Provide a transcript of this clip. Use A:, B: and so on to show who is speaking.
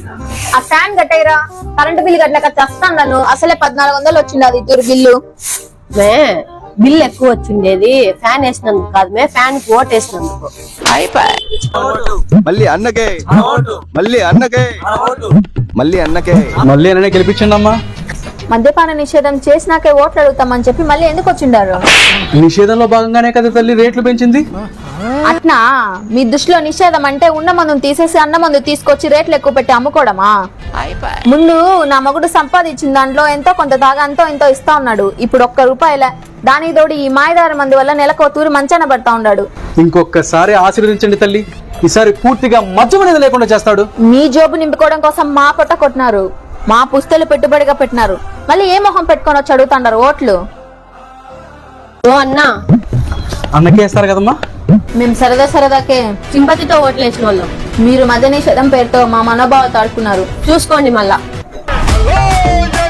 A: ఆ fan కట్టేరా, current bill కట్టలేక చస్తాను. నన్ను అసలే 1400 వచ్చింది అది ఇద్దరు బిల్లు.
B: బిల్ ఎక్కువ వచ్చిండేది ఫ్యాన్ వేసినందుకు కాదు మే, ఫ్యాన్ కి ఓట్ వేసినందుకు.
C: మళ్ళీ అన్నకే మళ్ళీ అన్నకే మళ్ళీ అన్నకే
D: మళ్ళీ అన్ననే గెలిపించండి అమ్మా.
A: మద్యపాన నిషేధం చేసినాకే ఓట్లు అడుగుతామని చెప్పి మళ్ళీ ఎందుకు వచ్చిండారు?
D: నిషేధంలో భాగంగానే కదా తల్లి రేట్లు పెంచింది.
A: అట్నా మీ దృష్టిలో నిషేధం అంటే ఉన్న మందును తీసేసి అన్న మందు తీసుకొచ్చి రేట్లు ఎక్కువ పెట్టి అమ్ముకోవడమా? ముందు నా మగుడు సంపాదించిన దాంట్లో ఎంతో కొంత తాగా అంతో ఎంతో ఇస్తా ఉన్నాడు. ఇప్పుడు ₹1 దానికి తోడు ఈ మాయదారి మందు వల్ల నెలకు తూరి మంచాన పడతా ఉన్నాడు.
D: ఇంకొకసారి ఆశీర్వదించండి తల్లి, ఈసారి పూర్తిగా మద్యం అనేది లేకుండా చేస్తాడు.
A: మీ జోబు నింపుకోవడం కోసం మా పొట్ట కొట్టినారు, మా పుస్తలు పెట్టుబడిగా పెట్టినారు. మళ్ళీ ఏ మొహం పెట్టుకొని వచ్చి అడుగుతాండారు ఓట్లు?
B: ఓ అన్నా,
D: అన్నకే వేస్తారు కదమ్మా.
A: మేము సరదాకే
B: సింపతితో ఓట్లు వేసిన వాళ్ళం.
A: మీరు మద్య నిషేధం పేరుతో మా మనోభావాలు తాడుకున్నారు.
B: చూసుకోండి మళ్ళా.